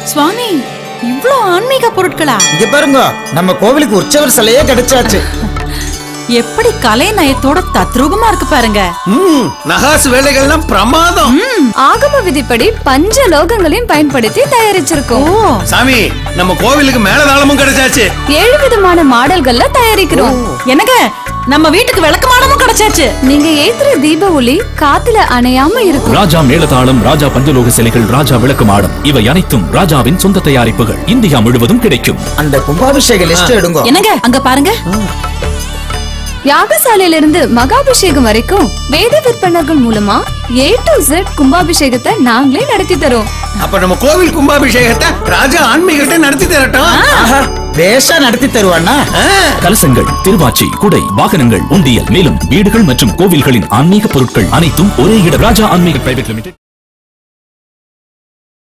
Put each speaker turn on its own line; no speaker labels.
சுவாமி, இவ்ளோ ஆன்மீக பொருட்களா?
இங்க பாருங்க, நம்ம கோவிலுக்கு உற்சவர் சிலையே கிடைச்சாச்சு.
எப்படி கலை நயத்தோட தத்ரூபமா இருக்கு பாருங்க.
நகாசு வேலைகள்லாம் பிரமாதம்.
ஆகம விதிப்படி பஞ்ச லோகங்களையும் பயன்படுத்தி தயாரிச்சிருக்கோம்.
சாமி, நம்ம கோவிலுக்கு மேலதாளமும் கிடைச்சாச்சு.
7 விதமான மாடல்கள்ல தயாரிக்கிறோம்.
என்னங்க, நம்ம வீட்டுக்கு விளக்கமானமும் கிடைச்சாச்சு.
நீங்க ஏத்துற தீப ஒளி காத்துல அணையாம இருக்கும்.
ராஜா மேளதாளம், ராஜா பஞ்சலோக சிலைகள், ராஜா விளக்கு மாடம், இவை அனைத்தும் ராஜாவின் சொந்த தயாரிப்புகள். இந்தியா முழுவதும் கிடைக்கும்.
அந்த கும்பாபிஷேக லிஸ்ட் எடுங்க.
என்னங்க, அங்க பாருங்க.
யாகசாலையில இருந்து மகாபிஷேகம் வரைக்கும் வேத விற்பனர்கள் மூலமா A to Z கும்பாபிஷேகத்தை நாங்களே நடத்தி தரோம்.
அப்ப நம்ம கோவில் கும்பாபிஷேகத்தை ராஜா ஆன்மீகத்தை நடத்தி தரட்டும்.
பேஷா நடத்தி தருவானா?
கலசங்கள், திருவாச்சி, குடை, வாகனங்கள், உண்டியல், மேலும் வீடுகள் மற்றும் கோவில்களின் ஆன்மீக பொருட்கள் அனைத்தும் ஒரே இடம். ராஜா ஆன்மீக பிரைவேட் லிமிடெட்.